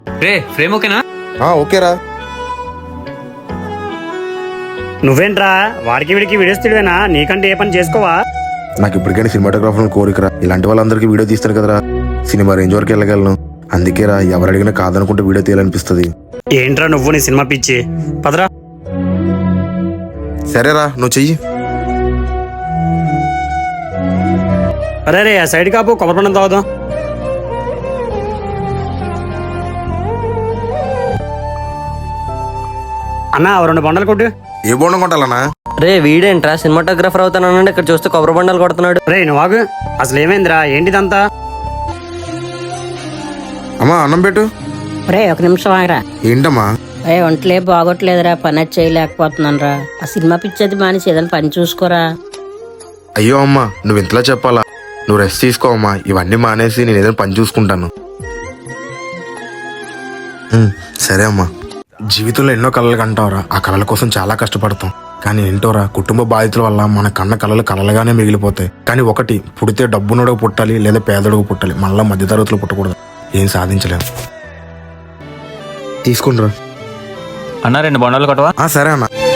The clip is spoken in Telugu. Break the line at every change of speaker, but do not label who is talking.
రే ఫ్రేమ్ ఓకేనా?
ఓకేరా.
నువ్వేంట్రా వాడికి వీడికి వీడియోస్ తీయడమేనా? నీకంటే ఏ పని చేసుకోవా?
నాకు ఇప్పటికైనా సినిమాటోగ్రాఫర్ కోరికరా. ఇలాంటి వాళ్ళందరికీ వీడియో తీస్తాను కదరా, సినిమా రేంజ్ వరకు వెళ్ళగలను. అందుకేరా ఎవరు అడిగినా కాదనుకుంటే వీడియో తీయాలనిపిస్తుంది.
ఏంట్రా నువ్వు నీ సినిమా పిచ్చి? పదరా.
సరేరా, నువ్వు చెయ్యి.
అరే రే, ఆ సైడ్ కాపు కొబ్బరి పండు తాగుదాం. అన్నా 2 బండలు కొట్టు.
ఏ బోండం కొట్టాలన్నా?
రే వీడేంట్రా సినిమాటోగ్రాఫర్ అవుతానన్నాడు, ఇక్కడ చూస్తే కొబ్బరి బండాలు కొడుతున్నాడు.
రే నువ్వు ఆగు, అసలు ఏమైందిరా? ఏంటిదంతా?
అమ్మా అన్నం పెట్టు.
రే 1 నిమిషం ఆగరా.
ఏంటమ్మా?
రే ఒంట్లే బాగోట్లేదురా, పని అది చేయలేకపోతున్నాను రా. ఆ సినిమా పిచ్చేది మానేసి ఏదైనా పని చూసుకోరా.
అయ్యో అమ్మా, నువ్వు ఇంతలా చెప్పాలా? నువ్వు రెస్ట్ తీసుకో అమ్మా, ఇవన్నీ మానేసి నేను ఏదైనా పని చూసుకుంటాను. సరే అమ్మా. జీవితంలో ఎన్నో కళలు కంటావురా, ఆ కళల కోసం చాలా కష్టపడతాం. కానీ ఏంటోరా, కుటుంబ బాధితుల వల్ల మన కన్న కళలు కలలుగానే మిగిలిపోతాయి. కానీ ఒకటి, పుడితే డబ్బునోడకు పుట్టాలి లేదా పేదోడకు పుట్టాలి, మళ్ళీ మధ్యతరగతిలో పుట్టకూడదు. ఏం సాధించలేము. తీసుకుంటారా
అన్న 2 బండాలు కొట్టవా?
సరే అన్న.